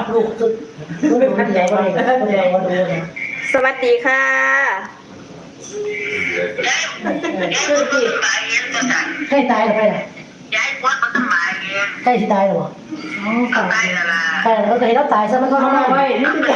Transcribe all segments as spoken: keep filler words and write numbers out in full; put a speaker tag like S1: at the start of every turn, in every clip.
S1: ลูกสุดลูกท่านใหญ่ก็เลยท่านใหญ่ก็ดูนะสวัสดีค่ะคือที่ใครตายหรือใครล่ะใครที่ตายหรือเปล่าอ๋อตายแล้วล่ะตายแล้วแต่เราตายซะมันก็ทรมานไว้นี่คือ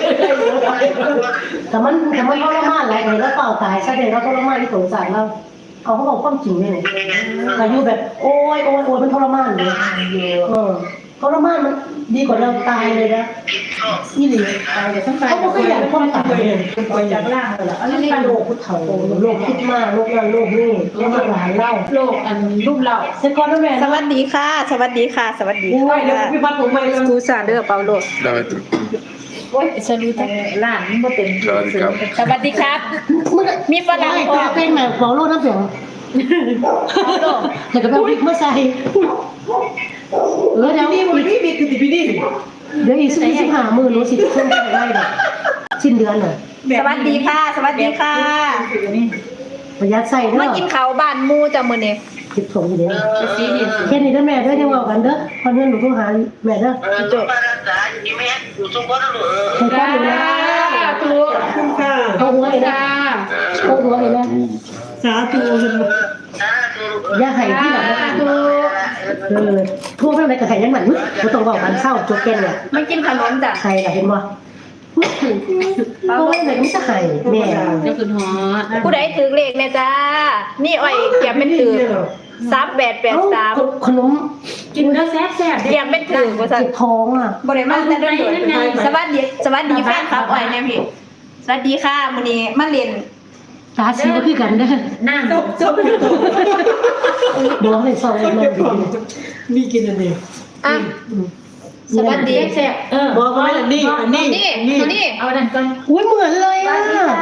S1: แต่มันแต่มันทรมานอะไรเลยแล้วเปล่าตายซะเดี๋ยวเราทรมานที่สงสารเราเอาเขาบอกความจริงเลยอายุแบบโอ้ยโอ้ยโอ้ยมันทรมานเลยเออทรมานมันดีกว่าเราตายเลยนะนี่เลยตายแต่ต้องตายเขาก็อยากความตายเลยเป็นไปจากล่างเลยล่ะอันนี้โรคพุทธโธโรคคิดมากโรคนั้นโรคนี้โรคหลานเล่าโรคอันรุ่มเล่าเซคอนด์แมนสวัสดีค่ะสวัสดีค่ะสวัสดีค่ะพี่พัดผมไปเลยกูซาเดอร์เปาโลโอ้ยสวัสดีค่ะล่างนี่มาเต็มสวัสดีครับสวัสดีครับมีฝรั่งพอเป็นแบบเปาโลน้ำเสียงแต่ก็แบบเมื่อใส่เออเดี๋ยวนี่มันพี่บิ๊กคือพี่นี่เดี๋ยวอีกสิบสิบห้าหมื่นรู้สิช่วงได้ได้แบบสิ้นเดือนน่ะสวัสดีค่ะสวัสดีค่ะประหยัดใส่เด้อมากินข้าวบ้านมูจ้ะมื้อนี้คิดส่งอยู่เด้อแค่นี้เด้อแม่เด้อยังเว้ากันเด้อพอเงินหนูต้องหาแม่เด้อจบใครป้อนอยู่นะถูกค่ะเอาหัวเลยนะเอาหัวเลยนะสาธุอย่าให้ที่หลังนะเออพวกอะไรกับใครยังหนังไม่ต้องบอกกันเศร้าโจเกนเนี่ยไม่กินขนมจ้ะใครล่ะเห็นบ่พวกอะไรก็ไม่จะใครแม่เจ้าคุณฮอผู้ใดถือเลขเนี่ยจ้านี่อ้อยเกียบเป็นถือสามแปดแปดสามขนมกินแล้วแซ่บแซ่บเกียบเป็นถือว่าจะท้องอ่ะบริมาแต่ด้วยสวัสดีสวัสดีแฟนครับอ้อยเนี่ยพี่สวัสดีค่ะมื้อนี้มาเรียนตาสีก็คือกันเด้อนั่งจบดวงให้ซอยมันดีนี่กินอันนี้อ่ะสวัสดีแซ่บเออบอกว่าอันนี้อันนี้นี่นี่เอาดันก่อนอุ้ยเหมือนเลยอ่ะ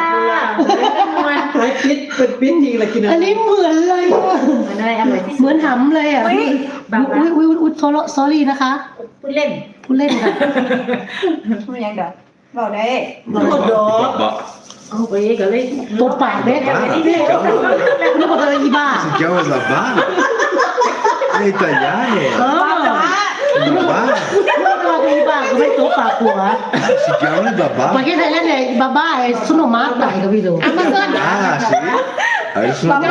S1: หายปิดเป็นปิดจริงเลยกินอันนี้เหมือนเลยเหมือนหำเลยอ่ะอุ้ยอุ้ยอุ้ยอุ้ยโซโล่ซอรี่นะคะพูดเล่นพูดเล่นค่ะไม่ยังเด้อบอกได้บอกดอกเอาไปก็เลยตัวปากเด็กนี่บอกอะไรอีบ้า
S2: Si chiama Zabana? È italiano?
S1: No,
S2: Babà?
S1: No,อีบ้าก็ไม่ตัวปากหัว
S2: Si chiama Babà?
S1: Ma che sai lei è babà è sono matta, hai capito? Amazon.
S2: Ah, sì? Adesso non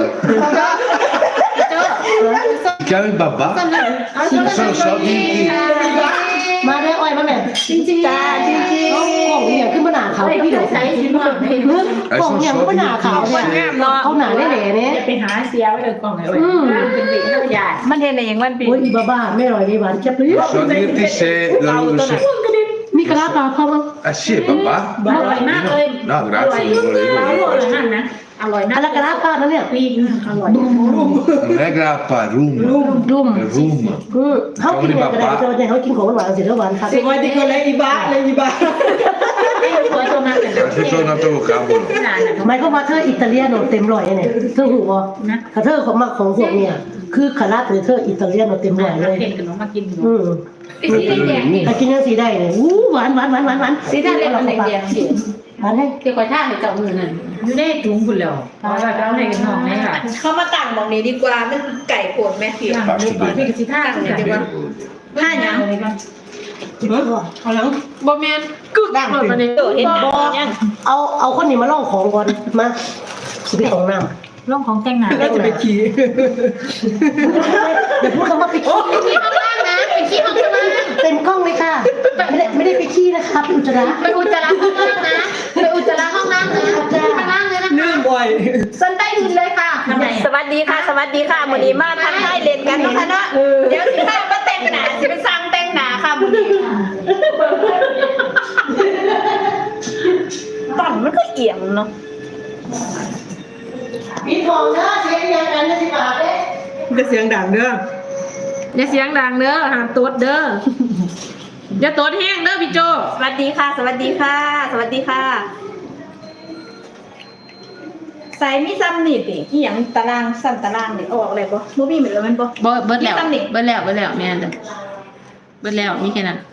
S2: Si chiama il Babà? Sono soldi di มาได้อ้อยมาแม่จริงจริงจ้าจริงจริงกล่องเนี่ยขึ้นมาหนาขาวพี่เดี๋ยวใส่ชิ้นมากเลยกล่องเนี่ยขึ้นมาหนาขาวเนี่ยเขาหนาได้แหล่เนี่ย
S3: ไปหาเสียไว้เลยกล่องไอ้เป็นเด็กนักใหญ่มันเห็นอะไรอย่างมันปี
S1: โอ้ยบ้าบ้าไม่อร่อยดีหวานเจ็บเลย
S2: So dirti se la luce
S1: มีกระลาปลาเข้ามา
S2: Ah sì, è Babà?
S3: อร่อยมากเลย
S2: No, grazie, non
S3: อร่อย
S2: volevo
S3: นั่นนะอร่อยนะ
S1: อะไรกระลาปลานั่นเนี่ย
S3: ปีนอร่อย
S2: Non è grappa, rum
S1: รุ่มรุ่ม
S2: Rum
S1: เขากินอะไรก็ได้แต่ว่าเขากินของหวานเสร็จแล้วหวานครับ
S3: สิวันที่คนเลยอีบ้าเลยอีบ้าตัวตัวนั้น
S2: Anche tornato cavolo
S1: ทำไมเขามาเธออิตาเลียโนเต็มร้อยเนี่ยเธอหูบ่นะเธอของมาของพวกเนี่ยคือคาราหรือเธออิตาเลียโนเต็มร้อยเลย
S3: เห็นขนมมากิน
S1: อืมสีแดงนี่กินยังสีได้เนี่ยอู้หวานหวานหวานหวานหวานสีแดงเลยมันแดงๆสีหวานให้
S3: เดี๋ยวคอยท่าให้เจ้ามือนั่นอยู่ในถุงคุณแล้วเพราะว่าเราให้กันน้องนี่ค่ะ
S4: เขามาตั้งตรงนี้ดีกว่ามันไก่โผล่แม่ผิว
S3: พี่กับสิท่าเนี่ยดีกว่าท่าอย่างไรบ้างเอาแล้วบอแมนกึกดังเลยเห็นเห็นบอ
S1: เอาเอาคนนี้มาล่องของก่อนมาสิไปของน้ำ
S3: ร่องของแต่งหน้า
S1: แล้วจะไปขี่เดี๋ยวพูดคำว่าไปขี่
S3: ไปขี้ข้างล่างนะไปขี้ข้างล่าง
S1: เต็มกล้องเลยค่ะไม่ได้ไม่ได้ไปขี้นะคะไปอุจจาระ
S3: ไปอุจจาระข้างล่างนะไปอุจจาระข้างล่างนะข้างล่างเลยนะคะนื่นบ่อยสันใต้ดินเลยค่ะข้างใน
S4: สวัสดีค่ะสวัสดีค่ะมื้อนี้มาทักทายเล่นกันเนาะค่ะเนาะเดี๋ยวสิพามาแต่งหน้าสิไปสั่งแต่งหน้าค่ะมื้อนี้ตอนมันก็เอียงเนาะ
S1: มีทองเด้อเสียงยังกันสิบาทเด้
S5: จะเสียงดังเด้อ
S3: อย่าเสียงดังเด้อห้ามตดเด้ออย่าตดแห้งเด้อพี่โจ
S4: สวัสดีค่ะ สวัสดีค่ะ สวัสดีค่ะใส่มีซ้ำนี่ติอีหยังตารางซ้ำตารางนี่ออกเลยบ่บ่มีเหมือนแล้วมันบ่
S3: เบิดเบิดแล้ว
S4: มีซ้ำนี่
S3: เบิดแล้วเบิดแล้วแม่นจ้ะเบิดแล้วมีแค่นั้น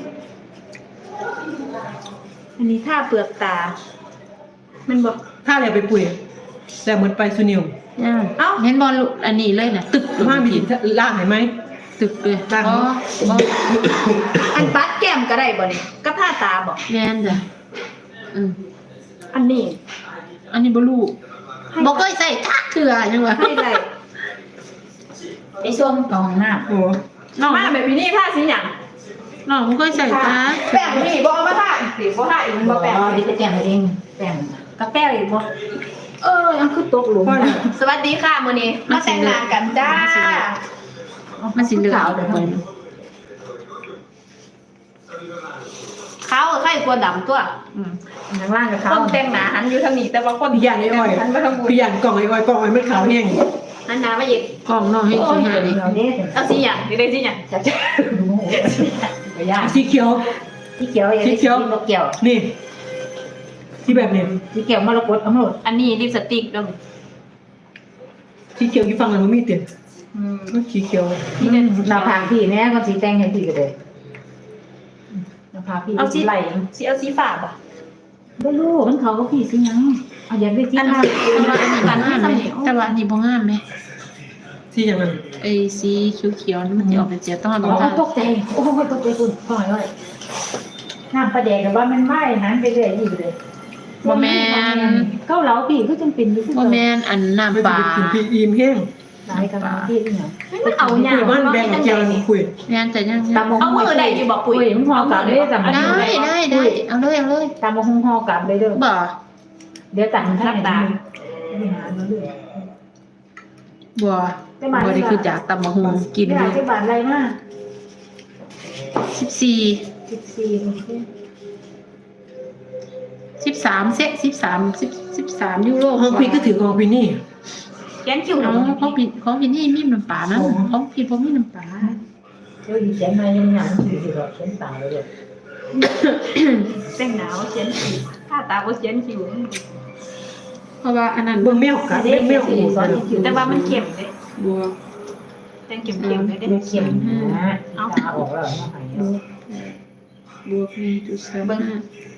S4: อันนี้ท่าเปลือกตามันบ่
S5: ถ้าอะไรไปปุ๋ยแต่เหมือนไปซูนิว
S3: เอ้าเห็นบอลอันนี้เลยนะตึก
S5: มามีล่างเห็นไหม
S3: ตึกเลย
S5: ตั้ง
S3: อ๋อ
S4: อันปัดแก้มก็ได้บ่นี่กับท่าตาบ่
S3: แม่นจ้ะอืม
S4: อันนี้
S3: อันนี้บ่รู้บ่เคยใส่ทักเถื่อยังวะ
S4: ให้ไร
S1: ไอ้ส้มกองหน้า
S5: โอ้
S3: น้อง
S4: มาแบบนี้ท่าสีหยัง
S3: น้องบ่เคยใส่ทัก
S4: แป้งนี่บ่เอามาท่าสิบ่ท่าอีกบ่แป้ง
S1: ดิไปแจ้งเองแป้ง
S4: กับแป้งอีกบ่เออยังคือตกหลุมสวัสดีค่ะมื้อนี้มาแต่งงานกันจ้า
S3: มันสิเหลือง
S4: เขาไข่กลัวดำตัว
S1: ข้างล่างกับเขา
S4: คนแต่งหน้าหันอยู่ทางนี้แต่ว่าคน
S5: พี่ยันไอ้อ้อย
S4: หันมาทางบน
S5: พี่ยันกล่องไอ้อ้อยกล่องไอ้มันขาวแห้ง
S4: หันหน้ามาอีก
S3: กล้องน้องให้สิหาดิ
S1: เราเนี่ย
S4: เอาสีหยังนี่ได้สีหยัง
S1: จะจะดูโหไปยาก
S5: สีเขียว
S1: ที่เขียวอย่างนี้ที่มะเกี่ยว
S5: นี่ที่แบบนี้
S1: ที่เกี่ยวมรกตเอาหมด
S4: อันนี้ลิปสติกเด้อ
S5: สีเขียวที่ฟังแล้วมันมีเต็ม
S4: อืม
S5: สีเขียว
S4: นี่เป็น
S1: หน้าผากพี่แม่ก็สีแดงให้พี่ก็เลยหน้าผากพี่
S4: เอาสี
S1: ไหล
S4: สีเอาสีฟ้าบ่ะ
S1: ไม่รู้มันเขาก็พี่สิยังเอาอย่างได้ที่
S4: อัน
S1: หน้า
S3: แต่ว่าอันนี้บ่งามไหมแต่ว่าอันนี้บ่งามไหม
S5: สีอย่างนั้น
S3: ไอ้สีเขียวๆนี่มันจะออกเป็นเสียต้องเอา
S1: อ๋
S3: บ่
S1: อ
S3: งาม
S1: ตกใจโอ้ยตกใจคุณพ่อยเลยน้ำปลาแดกกับว่ามันไหม้นั้นไปเรื่อยอยู่เลยเก้าเหลาพี่ก็จำเป็นอยู่ที่
S3: บ่แม่นอันน้ำ
S5: ไม่
S3: ปลา
S5: ได้กินพี่อิ่มแห้ง
S1: หลายกันพี่ที่ไหน
S4: มันเอาหยั
S5: คุ
S4: ง
S5: ยมันแบ่งกับเจียวนี่คุย
S3: แม่นแต่ยัง
S1: ตามมง
S4: เอามือได้อยู่บ่ปุ๋ย
S1: ปุ๋ยมันพอกับเลยแต่
S3: ได้ได้ได้เอาเลยเอาเลย
S1: ตามมงพอกับเลยเด้อ
S3: บ่
S1: เดี๋ยวตัดท่านตา
S3: บ่บ่ได้คือจากตำบักหุ่งกิน
S1: ไม่
S3: อ
S1: ได้
S3: ยู่
S1: ที่บาทอะไรมาก
S3: สิบสี่
S1: สิบสี่
S3: สิบสามเซะสิบสามสิบสิบสามยูโร
S5: ห้องพี่ก็ถือของพี่นี่
S4: แกนคิว
S3: น้อ
S4: เนาะ
S3: งของพี่ของพี่นี่มีน้ำปลานะของพี่บ่มีน้ำปลา
S1: เฮ้ยเขียนมายังหยาบสี่สิบหกเขียนตาเลย
S4: แต่งหน้าว่าเขียนคิวท่าตาว่าเขียนคิว
S3: เพราะว่าอันนั้น
S5: เบิ่งแมวกัดเบิ่งแมวอู่
S1: สอน
S5: กัน
S1: คิว
S4: แต่ว่ามันเข้มเด้
S3: บัว
S4: แต่งเข้มๆเลยเด้
S1: เขียนนะเอาตาออกแล้วมาหาย
S3: บวกหนึ่งจุดสาม
S4: เบิ่ง
S3: ห้า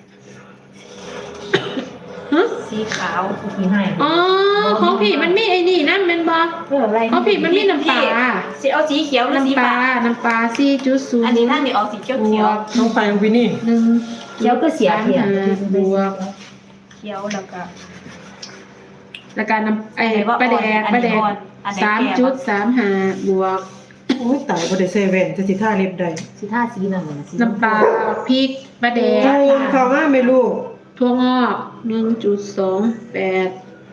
S4: สีขาว
S1: พี่ให้
S3: อ๋อของพี่มันมีไอ้นี่นั่นแม่นบ่
S1: เพื่ออะไร
S3: ของพี่มันมีน้ำปลา
S4: สีเอาสีเขียวหรือสี
S3: น้ำป
S4: ฟ้า
S3: ลาน้ำปลาสี่จุดศูนย์
S4: อันนี้ท่านนี่ออกสีเขียว
S3: บ
S4: เขียว
S3: วก
S5: น้องไปของพี่นี่
S3: หนึ่ง
S1: เขียวก็เสียเขียน
S3: บวก
S4: เขียวแล้วก็
S3: แล้วก็น้ำไอ้ปลาแดกปลาแดกสามจุดสามห้าบวก
S5: โอ้ยตายบ่ได้ใส่แว่นจะสิท่าเล็บได้
S1: สีท่าสีนั่นเลย
S3: น้ำปลาพริกปลาแดก
S5: โอ้ยเข้ามาไม่รู้
S3: ถั่วงอกหนึ่งจุดสองแปด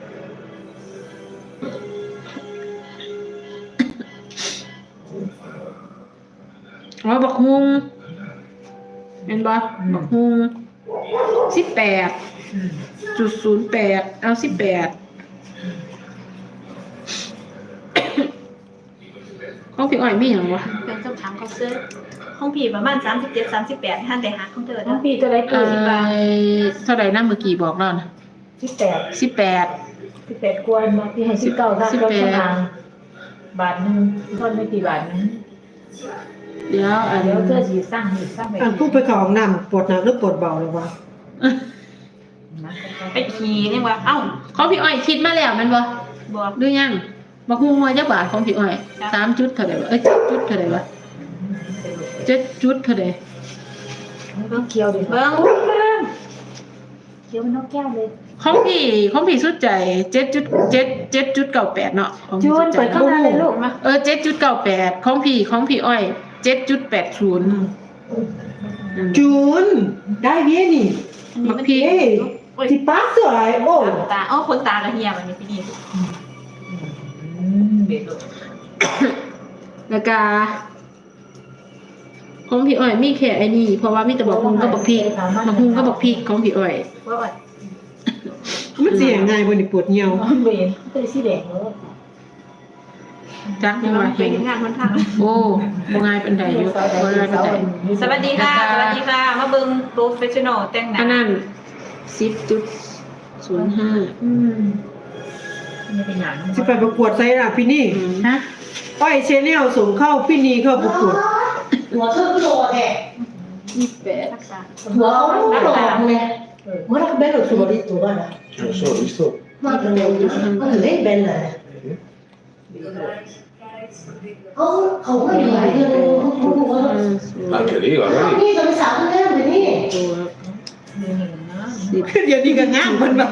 S3: อ๋อบักฮุงเป็นบ่บักฮุงสิบแปดจุดศูนย์แปดเอาสิบแปดของพี่อ้อยมีอย่างวะ
S4: เป็นเจ้าถามเขาซื้อห้องผีประมาณสามสิบเจ็ด สามสิบแปดท่านได้หาของเธอ
S1: น้
S4: เด้
S1: อ
S4: อง
S1: พี่ตัวไร
S3: เอ่
S1: ปุ๋ย
S3: อเท่าไหร่นะเมื่อกี้บอกแล้วนะ
S1: สิบแปด
S3: สิบแปด
S1: สิบแปดกวนมาพี่ให้สิบเก้าท่านก็ชนะบาทนึงทอนไม่กี่บาทนึง
S3: เดี๋ยวอัน
S1: เดี๋ยวเธอสีสร้างอีกสร้างไป
S5: อันผู้ไปเข้าห้องน้ำปวดหนักหรือปวดเบาหรือวะ
S4: ไปขี่นี่ว่าเอ้า
S3: ของพี่อ้อยคิดมาแล้วแมันบ่
S4: บอก
S3: ดูยังบักฮุงว่าจักบาทของพี่อ้อยสามจุดเท่าไหร่วะเอ้ยเจ็ดจุดเท่าไหร่วะเจ็ดจุดเท่าไหร่
S1: เบิ้งเคี้ยวดิ
S4: เบิ้ง
S1: เคี้ยวมันนกแก้วเลย
S3: ของพี่ของพี่สุดใจเจ็ดจุดเจ็ดเจ็ดจุดเก้าแปดเนาะของพี่
S1: จู
S3: สุ
S1: น
S3: ดใจ
S1: เปิดเข้ามาเลยลูกมา
S3: เออเจ็ดจุดเก้าแปดของพี่ของพี่อ้อยเจ็ดจุดแปดศูนย์
S5: จูนได้เบี้ยนี่
S4: อันนี้มัน
S3: พี่
S5: เอ้ย
S4: โอ้ย
S5: ที่ปัสสวยโอ้
S4: ตาอ๋อคนตากระเฮียมันนี่พี่นี่
S1: เบ็ด
S3: แล้วก็ของพี่อ้อยมีแค่ไอ้นี่เพราะว่ามีแต่บักฮุงกับบักพริกบักฮุงกับบักพริกของพี่อ้อย
S4: ว่าอ่อน
S5: มันเสียงไงบ่นี่ปวดเหี่ยว
S1: เบ็ดตัวสีแดงเลย
S3: จักยังว่า
S4: ไป
S3: เห็น
S4: งานคนทาง
S3: โอ้บ่ง่ายเป็นใดอยู่บ่ง่ายเป็นใด
S4: สวัสดีค่ะ สวัสดีค่ะ มาเบิ้งโปรเฟชชั่นอลแต่งหน้า
S3: อันนั้นสิบจุดศูนย์ห้า
S1: อืมไม่เป็นอย่าง
S5: สิไปประกวดไซร่ะพี่นี่
S1: ฮะ
S5: อ้อยเชนแนลส่งเข้าพี่นี่เข้าประกวด
S1: หัวเครื่องโดดแหละ
S3: ยี่สิบแปด
S4: รักษา
S1: หัวเขาโดดเลยหัวเราเบ็ดหรือตัวดิตัวนะ
S6: Non so, visto?
S1: มาเป็นเร็วก็ถึงได้เบ็ดเลยเขาเขาไม่ได้หลายเรื่องเขาพูดว่า
S6: Anche lì, guarda lì.
S1: นี่จะไปสาวคนแรก
S3: สิบ
S5: เดี๋ยวนี้ก็งามมันแบบ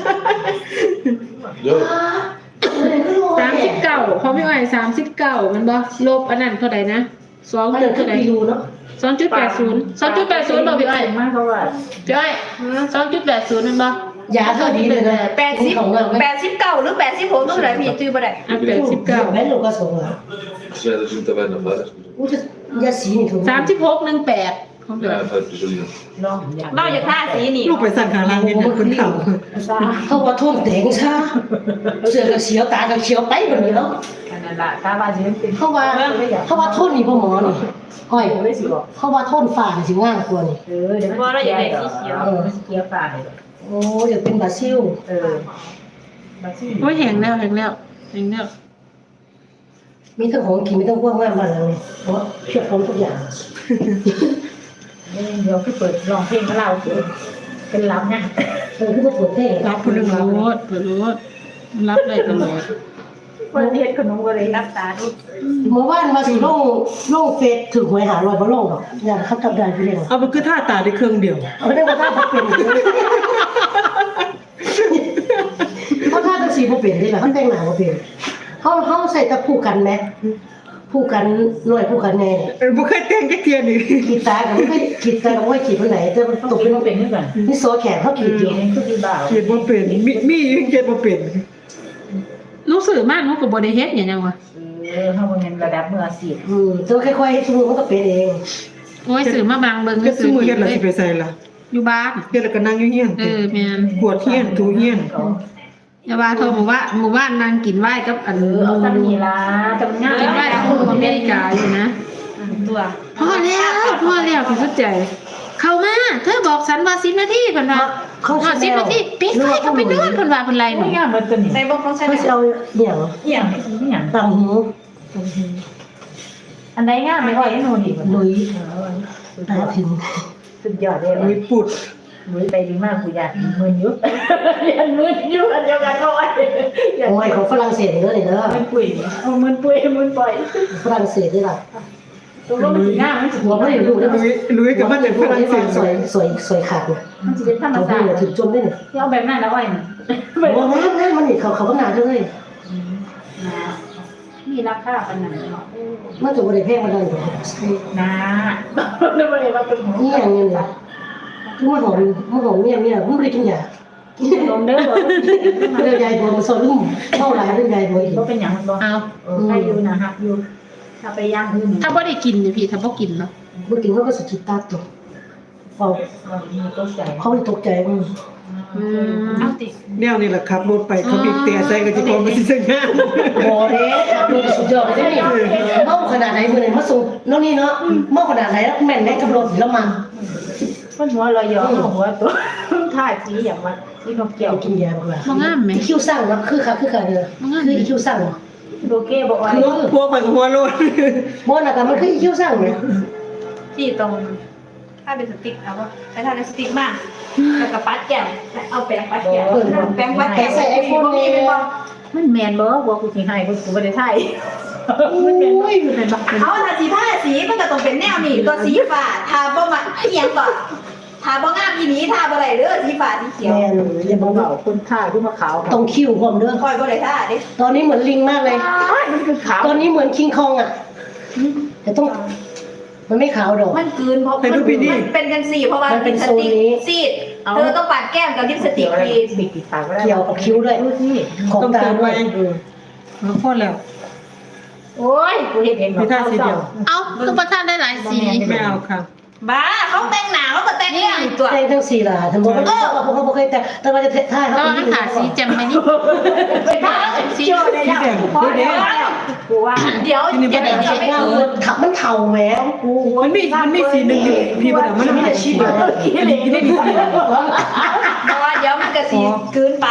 S3: สามสิบเก้าของพี่อ้อยสามสิบเก้ามันบ่ลบอันนั้นเท่าไหร่นะสอง
S2: มัน
S3: จุ
S2: เดิ
S3: ด
S2: นขึ้
S3: เท่าน ไหร่
S2: ไปดูเนาะ
S3: สองจุดแปดศูนย์สองจุดแปดศูนย์บอกพี่อ้อย
S4: มากเขาว่า
S3: พี่อ้อยสองจุดแปดศูนย์มันบ่
S2: ยาเท่านี้เลยนะ
S4: แปดสิบ
S2: ของเรา
S4: แปดสิบเก้าหรือแปดสิบหกต้องไหนพี่จื้อบ่ได้
S3: อ่ะแปดสิบเก้า
S2: แม่ลูกก็ส่งอ่ะ
S6: Ja, dat is een taverna, vader.
S2: อู้จะยาสีนี่ถูก
S3: สามสิบหกหนึ่งแปดของพี่อ้อย
S6: Ja, vader, Jolien.
S4: เราอยากท่าสีนี่
S5: ลูกไปสั่งขาลังเนี่ยคนเฒ่า
S2: เขาว่าทุ่มแดงซะเสือก็เขียวตาก็เขียวไปแบบนี้เนาะ
S4: นั่นล่ะตาบาสิเป็น
S2: เขาว่าเขาว่าทุ่นนี่พ่อหมอนี่อ้อยเขาว่าทุ่นฝ่านี่สิง่ายกว่านี่
S4: เออเดี๋ยวพอเราอยากได้สีเขียวสีเขียวฟ้าเลย
S2: โอ้เดี๋ยวเป็นบาซิล
S4: เออ
S3: โอ้ยแหงแล้วแหงแล้วแหงแล้ว
S2: มีทั้งของกินมีทั้งพวกงานบ้านหลังนี่เพราะเพียบพร้อมทุกอย่าง
S4: เดี๋ยวคือเปิดร้องเพลงกับเราเป็นรับนะ
S2: เออคือว่าปวดเท่
S5: รับคนหนึง
S3: เปิ
S5: รั
S3: ด
S5: บ
S3: รถเปิดรถมันรับได้ตลอด
S4: เปิดเฮ็ดขนมก็เลยรับตาดู
S2: เมื่อวานมาสิลงลงเฟซถึงหวยหาลอยบ่ลงดอกอย่างเขากลับได้ไปเรียน
S5: เอาไปคือท่าตาได้เครื่องเดียว
S2: เอาได้ว่าถ้าบ่เป็นเพราะถ้าจังซี่บ่เป็นได้ล่ะเขาแต่งหน้าบ่เป็นเขาเขาใส่แต่ผู้กันแหมผู้กันหน่วยผู้กันแน่
S5: เออบ่เคยแต่งจักเทียนี่
S2: ขีดตาก็ไม่ค่อยขีดตาก็ไม่ค่อยขีดวันไหนแต่มันตกเป็น
S4: เป็นขึ้นก่อน
S2: นี่โซแขนเขาขีดอยู่
S4: คือดีบ่าว
S5: เขียนบ่เป็นมีมีอยู่เขียนบ่เป็น
S3: รู้สึกมากนุกกับบริเฮ็ดอย่างยังวะ
S4: เออเฮาบ่เงินระดับมืออาชีพ
S2: อืมแต่ว่าค่อยๆสมมุติมันก็เป็นเอง
S3: โอ้ยสื่อมาบางเบิ่ง
S5: เฮ็ดซุมื้อเฮ็ด
S3: เล
S5: แล้ว
S3: ย
S5: สิไปใส่ล่ะ
S3: อยู่บ้าน
S5: เฮ็ดแล้วก็นั่งอยู่เฮียน
S3: เออแม่น
S5: กวดเฮียนถูเฮียน
S3: อย่าว่าโทรหมู่ว่าหมู่บ้านนางกินไหว้กับอัน
S4: เออเอาตำนี่ล่ะตำง่าย
S3: กินไหว้กับคนอเมริกาอยู่นะ
S4: ตัว
S3: พอแล้วพอแล้วพี่สุดใจ เข้ามาเธอบอกฉันว่าสิบนาทีเพิ่นว่า
S2: เขา
S3: ฮอดสิบนาทีปิดไฟก็ไปนอนเพิ่นว่าเพิ่นไล่หนู
S4: งามเหมือนตัวนี้ใส่บ่ต้องใช้
S2: เขาจะเอาเนี่ยง
S4: อีหยังอีหยัง
S2: ต่างหู
S4: อันใดงามไม่ค่อยให้หนูดิ
S2: หลุยตาถึง
S4: สุดยอดเลย
S5: มีปุด
S4: มือไปดีมากกูอยากมือยุบเรียนมือยุบอันเดียวกันเขาไว้
S2: โอ้ยของฝรั่งเศสเด้อนี่เด้อ
S4: มันปุ๋ยเอามันปุ๋ยมันปล่อย
S2: ฝรั่งเศสนี่ล่ะ
S4: ตัวมันสิงามมันสิ
S2: หัวบ่ได้รู้เด้อ
S5: ลุยลุยกับมันจากฝรั่งเศส
S2: สวยสวยสวยขาดนี่
S4: มันสิเป็นธรรม
S2: เอา
S4: ชา
S2: หู
S4: ติ
S2: ถึงจมได้นี่
S4: ที่เอาแบบนั้นแล้วไว้น่ะ
S2: โอ้งามงามมันนี่เขาเขาก็งามเลย
S4: มีราคาปานนั้นเนาะ
S2: มันจะบ่ได้แพงมาได้ดอก
S4: นะนึกว่าว่าเป็น
S2: นี่อย่างนี้เลยคือมันหอมมันหอมเนี่ยเนี่ยมันบ่ได้กินยา
S4: ลมเด้อบ่
S2: เรื่องยายบัวมันสอนลุ่มเท่าไรเรื่องยายบัวอีก
S4: บ่เป็นหยังบ่
S3: เอา
S4: เออใครอยู่นะฮักอยู่ถ้าไปย่างอื่น
S3: ถ้าบ่ได้กินเนี่ยพี่ถ้าบ่กินเนาะ
S2: เมื่อกี้เขาก็สะกิดตาตัวเขา
S4: มีตกใจ
S2: เขาตกใจมึง
S3: อืม
S4: เอาติ
S5: แนวนี่แหละครับรถไปเขาบีบแต่ใส่ก็สิพอมันสิสงาม
S2: บอเด้ครับดูสุดยอดเลยนี่เมาขนาดไหนมือไหนมาส่งแล้วนี่เนาะเมาขนาดไหนแล้วแม่นแม่กับรถแล้วมัน
S4: มันหัวลอยยอหัวตัวท่าสีอย่างว่าสีนกเกี่ยว
S2: กินยาบ้างล่ะ
S3: บ่งามแหม
S2: อีคิวสั่งเนาะคือค่ะคือค่ะเด้อคืออีคิวสั่ง
S4: โบเก้บอกว่า
S2: คือ
S5: พวกไปกับหัวโลด
S2: บ่น่ะแต่มันคืออีคิวสั่งเนี่ย
S4: ที่ตรงถ้าเป็นสติ๊กเอาว่าใช้ท่าเป็นสติ๊กมากแล้วก็ปัดแก้มเอาแปรงปัดแก้มแปรงปัดแก้มมีเป็นบ่มันแมนบ่บ่กูสิให้กูกูบ่ได้ถ่ายมันแมนบ่เป็นบ่เอาถ้าสีผ้าสีมันก็ต้องเป็นแนวนี้ตัวสีฟ้าทาบ่มาอีหยังก่อนทาบ่งามอีนี้ทาบ่ได้เด้อสีฟ้าสีเขียว
S2: แม่นอย่าบอกว่า
S4: คนท่าขึ้นมาขาว
S2: ต้องคิวพร้อมเด้อ
S4: คอยบ่ได้ท่าดิ
S2: ตอนนี้เหมือนลิงมากเลย
S4: มันคือขาว
S2: ตอนนี้เหมือนคิงคองอ่ะแต่ต้องมันไม่ขาวดอก
S4: มันกืนเพราะมันเป็นกันสีเพราะว่าเป็นสติ๊กซีดเธอต้องปัดแก้มกับลิปสติกดีบิดติดปากก็ได้
S2: เกี่ยวกับคิ้วด้วยของ
S5: ต้อง
S2: ตา
S5: เติม
S2: ด้ว
S5: ไว้
S2: ย
S5: แล้วพอแล้ว
S4: โอ้ยกูเห็นเอง
S5: มีท่าสีเดียว
S3: เอาคือประทานได้หลายสี
S5: ไม่เอาค่ะ
S4: บ้าเขาแต่งหนาเขาก็แต่งเนี่ยตัว
S2: แต่งทั้งสี่ล่ะทั้งหมดเขาบอกเขาบอกเคยแต่แต่ว่าจะท่า
S3: แต่
S2: เขา
S3: ว่ามันขาดสีแจ่มไหมนี่
S4: เป็นผ้าสีโจ้ได้แล้วกูว่าเดี๋ยว
S5: ที่นี่
S4: จะ
S5: ไม่
S4: ได้
S5: ได้
S4: จะไม่
S2: เงา
S4: คืน
S2: ขับมันเข่าแหม
S5: มันมีมันมีสีหนึ่งอยู่พี่บ่ได้มันมีแต่สีเดียวกินได้มีสีเดียว
S4: เพราะว่าเดี๋ยวมันก็สีคืนไป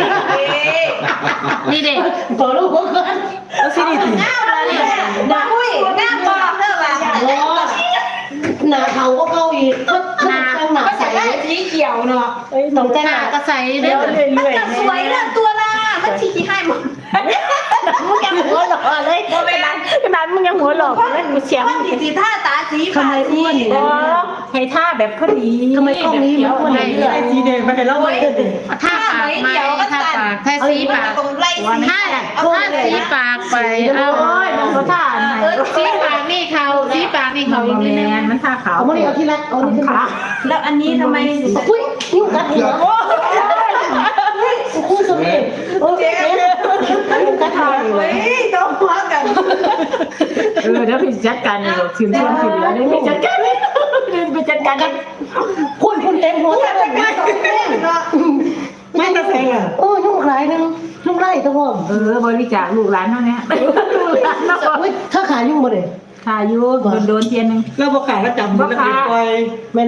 S3: นี่เด็ก
S2: ต่อลูกก่อน
S5: แล้วสีนี่ติ
S4: ง่ามเลยเนี่ยอุ้ยง่ามบอกเด้อว่า
S2: หนาเขาก็เข้าอีกก็หนาหนา
S4: ก็
S2: ใส
S4: ใส่สีเขียวเนาะ
S2: ต้องแต่ง
S3: ห
S2: ห
S3: น้า
S2: นา
S3: ก็ใส่เด้อ
S4: มันก็สวยเรื่องตัวละมันชี้ให้หมด
S2: มึงยังหัวหล่อเลยขนาดขนาดมึงยังหัวหล่อเลยกูเสียง
S4: มันสีท่าตาสี
S2: ทำไมอ้วนเนี่ย
S4: ให้ท่าแบบพอดี
S2: ทำไมกล้องนี้มันอ้วนอย่างนี้
S5: ไอ้สีแดงมาให้เราเลย
S3: ถ้าปากไม่ถ้าปากถ้าสีปาก
S4: ตรงไล่สี
S3: ถ้าถ้าสีปากไปเอา
S2: โอ้ยมันก็ท่าไหน
S3: สีปากนี่เขาสีปากนี่เขาอีกนิดนึง
S4: มันท่าขาว
S2: เอามาดิเอาที่รักเอานี่ขึ้นมา
S4: แล้วอันนี้ทำไม
S2: อุ้ยนิ้วกัดหัวคู่สมิโอ้ยนิ้วกัดหัว
S4: เฮ้ยต้องหัวกัน
S5: เออเดี๋ยวไปจัดการนี่บอกถึงช่วงที่เหลือเดี๋ยวไปจัดการเดี๋ยวไปจัดการกัน
S2: คุณคุณเต็มหัวเต็มเลย
S5: ไม่ต้องแพงอ่ะ
S2: โอ้ยุ่งหลายนึงยุ่งไล่ตัวผม
S5: เออบริจาคลูกหลานเท่านี้ลูกหลานเนาะ
S2: เฮ้ยถ้าขายุ่งมาเลย
S5: ทายุโดนโดนเทียนนึง
S7: แล้วบ่ขาดแล้วจำแล้วเป็นปล่อย